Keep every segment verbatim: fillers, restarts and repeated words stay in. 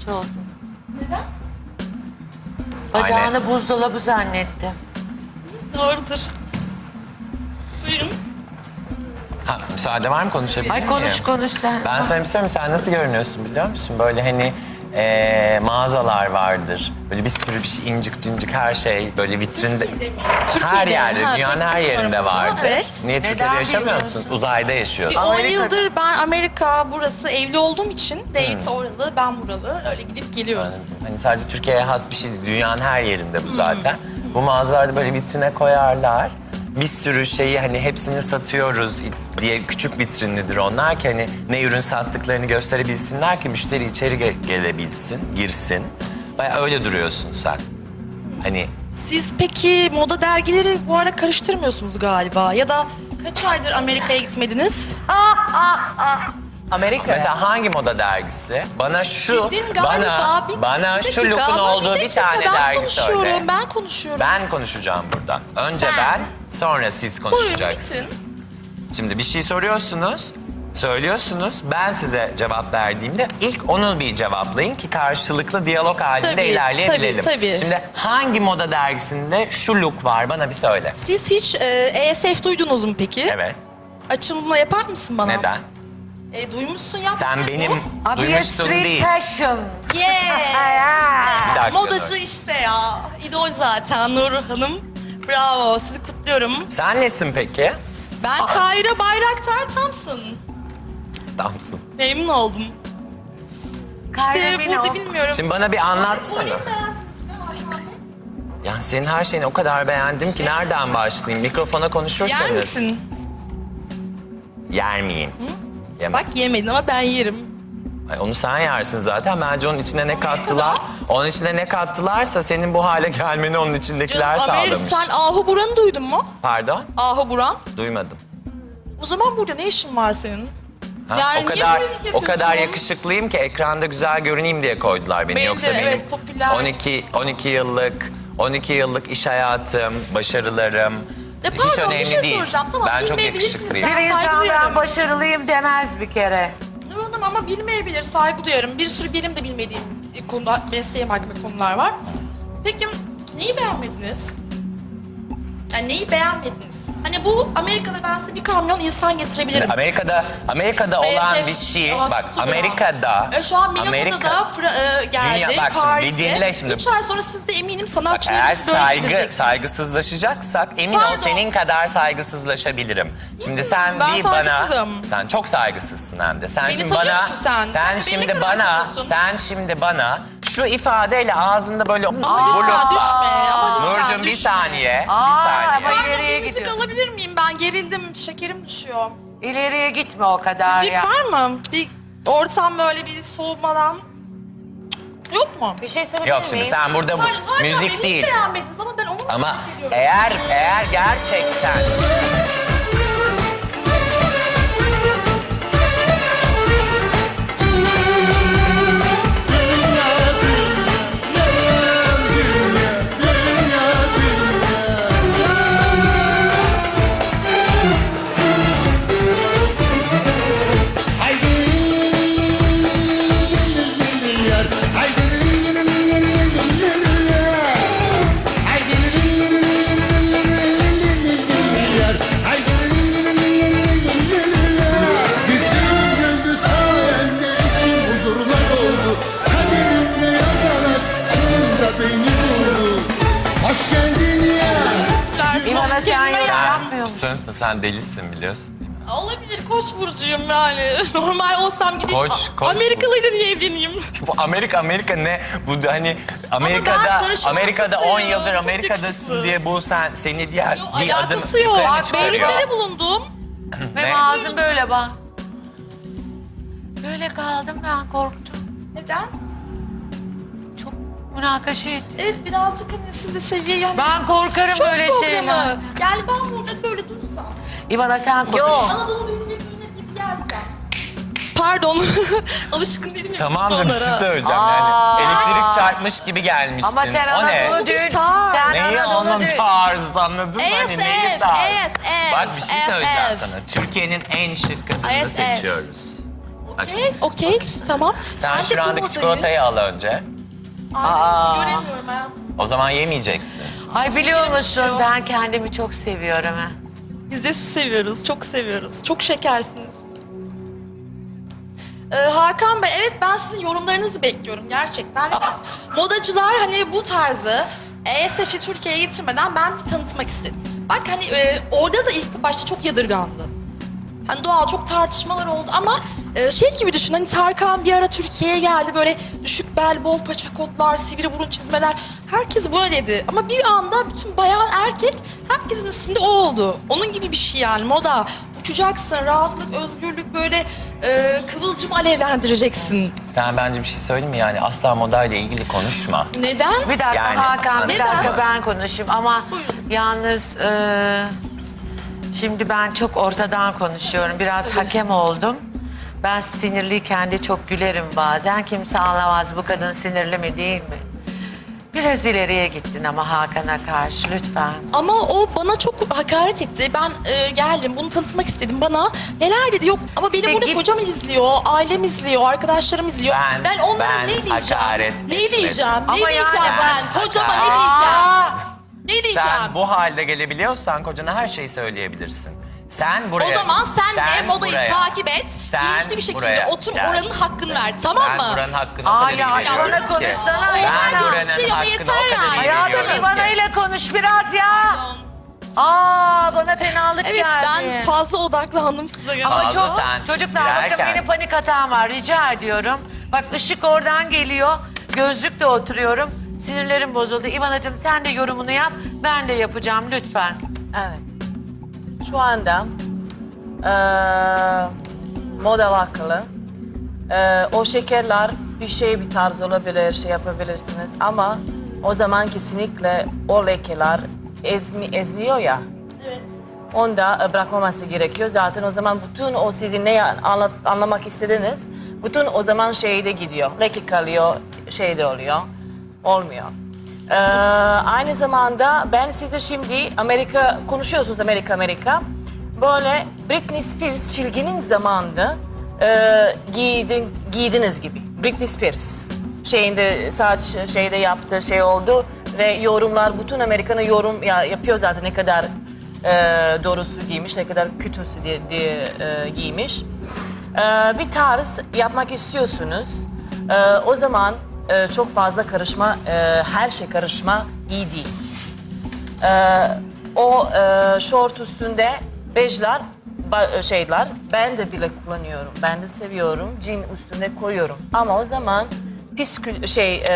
oldum. Neden? Bacağını Aynen. buzdolabı zannettim. Doğrudur. Buyurun. Ha, müsaade var mı, konuşabilir Ay miyim? konuş konuş sen. Ben sana bir şey söyleyeyim, sen nasıl görünüyorsun biliyor musun? Böyle hani eee, mağazalar vardır. Böyle bir sürü bir şey, incik cincik her şey böyle vitrinde. Her Türkiye'de, yerde, ha, dünyanın her bilmiyorum. yerinde vardır. Evet. Niye Neden Türkiye'de yaşamıyor bilmiyorsun? musun? Uzayda yaşıyorsun. Bir on Amerika'da. yıldır ben Amerika burası evli olduğum için David oralı, ben buralı. Öyle gidip geliyoruz. Hani sadece Türkiye'ye has bir şey değil. Dünyanın her yerinde bu zaten. Bu mağazalarda böyle vitrine koyarlar. Bir sürü şeyi hani hepsini satıyoruz diye küçük vitrinlidir onlar ki hani ne ürün sattıklarını gösterebilsinler ki müşteri içeri ge- gelebilsin, girsin. Bayağı öyle duruyorsun sen. Hani Siz peki moda dergileri bu ara karıştırmıyorsunuz galiba. Ya da kaç aydır Amerika'ya gitmediniz? Amerika. mesela hangi moda dergisi? Bana şu, Sizin galiba bana, bir, bana bir şu dakika, look'un ama olduğu bir, dakika, tane ben dergi konuşuyorum, söyle. Ben konuşuyorum. Ben konuşacağım burada. Önce Sen. ben, sonra siz Buyurun konuşacaksınız. bitirin. Şimdi bir şey soruyorsunuz, söylüyorsunuz. Ben size cevap verdiğimde ilk onu bir cevaplayın ki karşılıklı diyalog halinde Tabii, ilerleyebilelim. tabii, tabii. Şimdi hangi moda dergisinde şu look var bana bir söyle. Siz hiç e, E S F duydunuz mu peki? Evet. Açılımını yapar mısın bana? Neden? E, duymuşsun ya. Sen benim Abi duymuşsun street değil. fashion. Yeah. Bir dakika, Modacı Nur. işte ya. İdol zaten Nur Hanım. Bravo, sizi kutluyorum. Sen nesin peki? Ben Kayra Bayraktar Thompson. Damsın. Memnun oldum. Kayra İşte Mino. burada bilmiyorum. Şimdi bana bir anlatsana. Olayım beğendiniz mi? Ya senin her şeyini o kadar beğendim ki nereden başlayayım? Mikrofona konuşursanız. Yer misin? Yer miyim? Yemem. Bak yemedin ama ben yerim. Ay, onu sen yersin zaten. Bence onun içine ne kattılar? Onun içine ne kattılarsa senin bu hale gelmeni onun içindekiler Canım, Amerika, sağlamış. sen Ahu Buran'ı duydun mu? Pardon? Ahu Buran. Duymadım. O zaman burada ne işin var senin? Ha? Yani o niye kadar böyle o kadar yapıyorsun? yakışıklıyım ki ekranda güzel görüneyim diye koydular beni. Bence Yoksa benim evet, popüler. on iki on iki yıllık on iki yıllık iş hayatım, başarılarım Ya hiç pardon, bir önemli şey değil. soracağım. Tamam, ben çok bilmeyebilirsiniz. yakışıklıyım. Ben Bir insan saygı ben duyuyorum. başarılıyım demez bir kere. Nur Hanım ama bilmeyebilir, saygı duyarım. Bir sürü benim de bilmediğim konuda, mesleğim hakkında konular var. Peki neyi beğenmediniz? Yani neyi beğenmediniz? Hani bu Amerika'da ben size bir kamyon insan getirebilirim. Şimdi Amerika'da Amerika'da olan bir şey bak Amerika'da E, şu an Milano'da Amerika da Fra- e, geldi, Dünya- bak şimdi, Paris'e. bir dinle şimdi. Üç ay sonra siz de eminim Bak, sanatçıları eğer böyle saygı getireceksiniz. saygısızlaşacaksak emin ol Pardon. senin kadar saygısızlaşabilirim. Şimdi sen ben bir bana saygısızım. sen çok saygısızsın hem de. Sen Beni şimdi tanıyor bana musun sen? sen Beni şimdi kadar bana tanıyorsun. sen şimdi bana şu ifadeyle ağzında böyle Ama lütfen düşme. Ama lütfen Nurcuğum bir düşme. saniye. Aa, bir saniye. ama- Pardon, İleriye bir müzik gidiyor. alabilir miyim? Ben gerildim, şekerim düşüyor. İleriye gitme o kadar Müzik ya. var mı? Bir ortam böyle bir soğumadan. Yok mu? Bir şey söyleyebilir Yok şimdi miyim? sen burada bu, Hayır, hala müzik beni değil. beğenmediniz ama ben onu Ama merak ediyorum. eğer eğer gerçekten Yüzüm güldü sayende içim huzurlar oldu. Kaderimle yazarak sonunda beni buldu. Hoş geldin ya. İvana sen yorum Kelime- yapmıyor musun? sen, sen delisin biliyorsun. Olabilir, Koç burcuyum yani. Normal olsam gideyim. Koç, A- Koç Amerikalıyla niye evleneyim? Bu Amerika Amerika ne? Bu da hani Amerika'da sarışın Amerika'da hastasıyım. on yıldır Çok Amerika'dasın yakışıklı. diye bu sen seni diğer Yok, bir adım alakası yok. yukarı Bak, çıkarıyor. Beyrut'te de bulundum. Benim Ne? ağzım böyle bak. Böyle kaldım ben korktum. Neden? Çok münakaşa ettim. Evet, birazcık hani sizi seviye yani. Ben korkarım Çok böyle programı. şeyler. Yani ben burada böyle dursam. İvana sen konuş. Anadolu ürünü giyinir gibi gelsem. Pardon. Alışkın değilim ya. Tamam da bir şey onlara. söyleyeceğim Aa. yani elektrik çarpmış gibi gelmişsin. Ama sen o ne? Anadolu Bu bir düğün. tarz. Sen Neyi Anadolu onun düğün. tarzı anladın mı? Hani neyi A S F, tarzı? A S F, Bak bir şey söyleyeceğim A S F. sana. Türkiye'nin en şık kadını A S F. seçiyoruz. Okey, okey, tamam. Sen Ben de bu şurandaki modayı- çikolatayı al önce. Ay, göremiyorum hayatım. O zaman yemeyeceksin. Ay biliyor benim musun şey o. ben kendimi çok seviyorum ha. Biz de sizi seviyoruz, çok seviyoruz. Çok şekersiniz. Ee, Hakan Bey, evet ben sizin yorumlarınızı bekliyorum gerçekten. Modacılar hani bu tarzı E S F'i Türkiye'ye getirmeden ben tanıtmak istedim. Bak hani e, orada da ilk başta çok yadırgandı. Hani doğal çok tartışmalar oldu ama e, şey gibi düşün hani Tarkan bir ara Türkiye'ye geldi böyle düşük bel, bol paça kotlar, sivri burun çizmeler. Herkes böyleydi ama bir anda bütün bayan erkek herkesin üstünde o oldu. Onun gibi bir şey yani moda. Uçacaksın, rahatlık, özgürlük böyle e, kıvılcım alevlendireceksin. Sen bence bir şey söyleyeyim mi? Yani asla modayla ilgili konuşma. Neden? Bir dakika Yani, Hakan bir anladın dakika mı? ben konuşayım ama yalnız e, şimdi ben çok ortadan konuşuyorum. Biraz hakem oldum. Ben sinirliyken de çok gülerim bazen. Kimse anlamaz bu kadın sinirli mi değil mi? Biraz ileriye gittin ama Hakan'a karşı lütfen. Ama o bana çok hakaret etti. Ben e, geldim, bunu tanıtmak istedim. Bana neler dedi? Yok ama benim İşte burada git- kocam izliyor, ailem izliyor, arkadaşlarım izliyor. Ben- onlara ben ne diyeceğim? hakaret Ne etmedim. diyeceğim? Ama ne yani diyeceğim ben? ben Kocama ne hakaret- diyeceğim? Ne diyeceğim? Sen bu halde gelebiliyorsan kocana her şeyi söyleyebilirsin. Sen buraya... O zaman sen, de modayı buraya- takip et. Sen Bilinçli bir şekilde buraya otur gel. oranın hakkını ver. Tamam Ben mı? buranın hakkını Aa o kadar ya, iyi veriyorum bana ki. konuşsana. Ben Bana buranın konuşsun ama hakkını yeter o kadar iyi yani. Hayatım veriyorum İvana ki. ile konuş biraz ya. Aa bana fenalık Evet geldi. ben fazla odaklandım size. Ama Fazla çok, sen çocuklar girerken- bakın benim panik hatam var rica ediyorum. Bak ışık oradan geliyor. Gözlükle oturuyorum. Sinirlerim bozuldu. İvanacığım sen de yorumunu yap. Ben de yapacağım lütfen. Evet. Şu anda eee model akıllı. Eee, o şekerler bir şey bir tarz olabilir, şey yapabilirsiniz ama o zaman kesinlikle o lekeler ezmi, ezliyor ya. Evet. Onda e, bırakmaması gerekiyor. Zaten o zaman bütün o sizin ne anlat, anlamak istediğiniz bütün o zaman şeyde gidiyor. Leke kalıyor, şeyde oluyor. Olmuyor. Ee, aynı zamanda ben size şimdi Amerika konuşuyorsunuz Amerika Amerika. Böyle Britney Spears çilginin zamanında e, giydin, giydiniz gibi. Britney Spears şeyinde saç şeyde yaptığı şey oldu ve yorumlar bütün Amerika'nın yorum ya, yapıyor zaten ne kadar e, doğrusu giymiş ne kadar kötüsü diye, diye e, giymiş. E, bir tarz yapmak istiyorsunuz. E, o zaman e, çok fazla karışma, e, her şey karışma iyi değil. E, o e, şort üstünde bejler, ba- şeyler ben de bile kullanıyorum. Ben de seviyorum. Jean üstünde koyuyorum. Ama o zaman piskül şey e,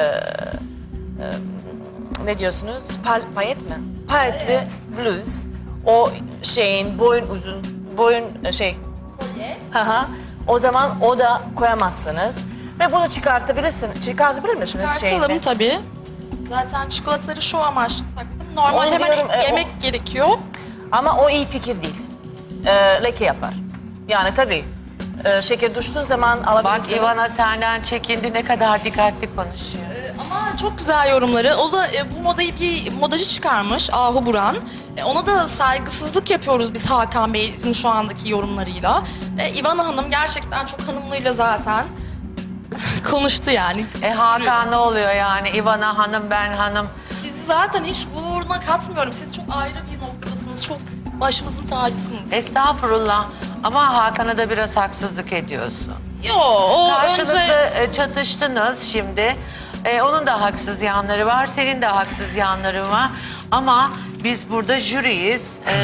e, ne diyorsunuz? Pal, payet mi? Payetli bluz. O şeyin boyun uzun, boyun şey. Haha. O zaman o da koyamazsınız. Ve bunu çıkartabilirsin. Çıkartabilir misiniz Çıkartalım şeyini? tabii. Zaten çikolataları şu amaçlı taktım. Normalde Onu hemen diyorum, e, yemek o- gerekiyor. Ama o iyi fikir değil. Ee, leke yapar. Yani tabii e, şeker düştüğün zaman Bak alabilirsiniz. İvana senden çekindi ne kadar dikkatli konuşuyor. Ee, ama çok güzel yorumları. O da e, bu modayı bir modacı çıkarmış Ahu Buran. E, ona da saygısızlık yapıyoruz biz Hakan Bey'in şu andaki yorumlarıyla. E, İvana Hanım gerçekten çok hanımlıyla zaten konuştu yani. E Hakan ne oluyor yani? İvana hanım ben hanım. Sizi zaten hiç bu uğruna katmıyorum. Siz çok ayrı bir noktadasınız. Çok başımızın tacısınız. Estağfurullah ama Hakan'a da biraz haksızlık ediyorsun. Yo, o Karşılıklı önce... e, çatıştınız şimdi. E, onun da haksız yanları var, senin de haksız yanların var. Ama biz burada jüriyiz. E,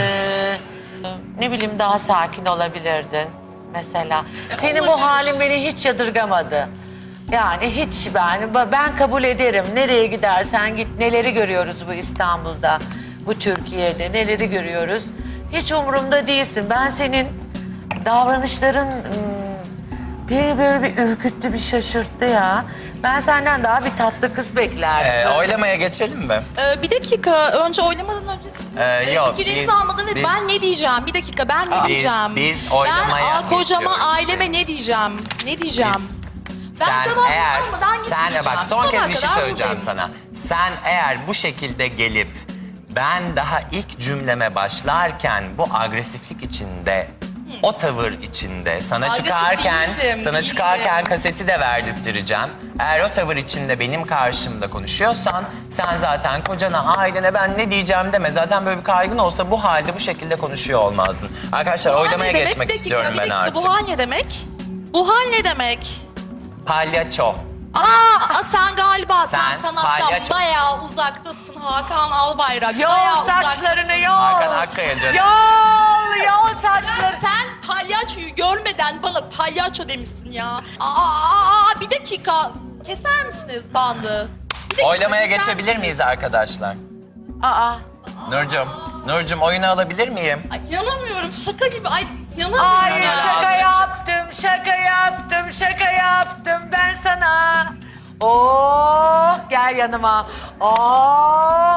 ne bileyim daha sakin olabilirdin mesela. Senin bu olabilir. halin beni hiç yadırgamadı. Yani hiç ben, ben kabul ederim. Nereye gidersen git, neleri görüyoruz bu İstanbul'da, bu Türkiye'de, neleri görüyoruz. Hiç umurumda değilsin. Ben senin davranışların hmm, beni böyle bir ürküttü, bir şaşırttı ya. Ben senden daha bir tatlı kız beklerdim. Ee, oylamaya geçelim mi? Ee, bir dakika, önce oylamadan önce sizin Ee, e, yok, fikirlerinizi biz- almadım ve biz- ben ne diyeceğim? Bir dakika, ben ne Biz- diyeceğim? biz oylamaya Ben aa, kocama, geçiyoruz. aileme ne diyeceğim? Ne diyeceğim? Ben Sen cevap eğer, almadan sen gitmeyeceğim. bak son Sabaha kez bir şey kadar söyleyeceğim buradayım. sana. Sen eğer bu şekilde gelip ben daha ilk cümleme başlarken bu agresiflik içinde O tavır içinde sana Saygısız çıkarken değildim, sana değildim. çıkarken kaseti de verdirttireceğim. Eğer o tavır içinde benim karşımda konuşuyorsan sen zaten kocana, ailene ben ne diyeceğim deme. Zaten böyle bir kaygın olsa bu halde bu şekilde konuşuyor olmazdın. Arkadaşlar Bu hal oylamaya ne demek? geçmek Bir dakika, istiyorum bir ben dakika, artık. Bu hal ne demek? Bu hal ne demek? Palyaço. Aa, aa, sen galiba sen, Sen sanattan palyaço. bayağı uzaktasın Hakan Albayrak. Yol bayağı saçlarını yol. Hakan Akkaya canım. Yol, yol saçları. Sen palyaçoyu görmeden bana palyaço demişsin ya. Aa, aa, aa, bir dakika. Keser misiniz bandı? Bir dakika, Oylamaya keser geçebilir misiniz? miyiz arkadaşlar? Aa. Nurcum, Nurcum oyunu alabilir miyim? Ay, inanamıyorum şaka gibi. Ay inanamıyorum Ay ya. şaka yaptım, şaka yaptım, şaka yaptım ben sana. Oo, gel yanıma. Oo.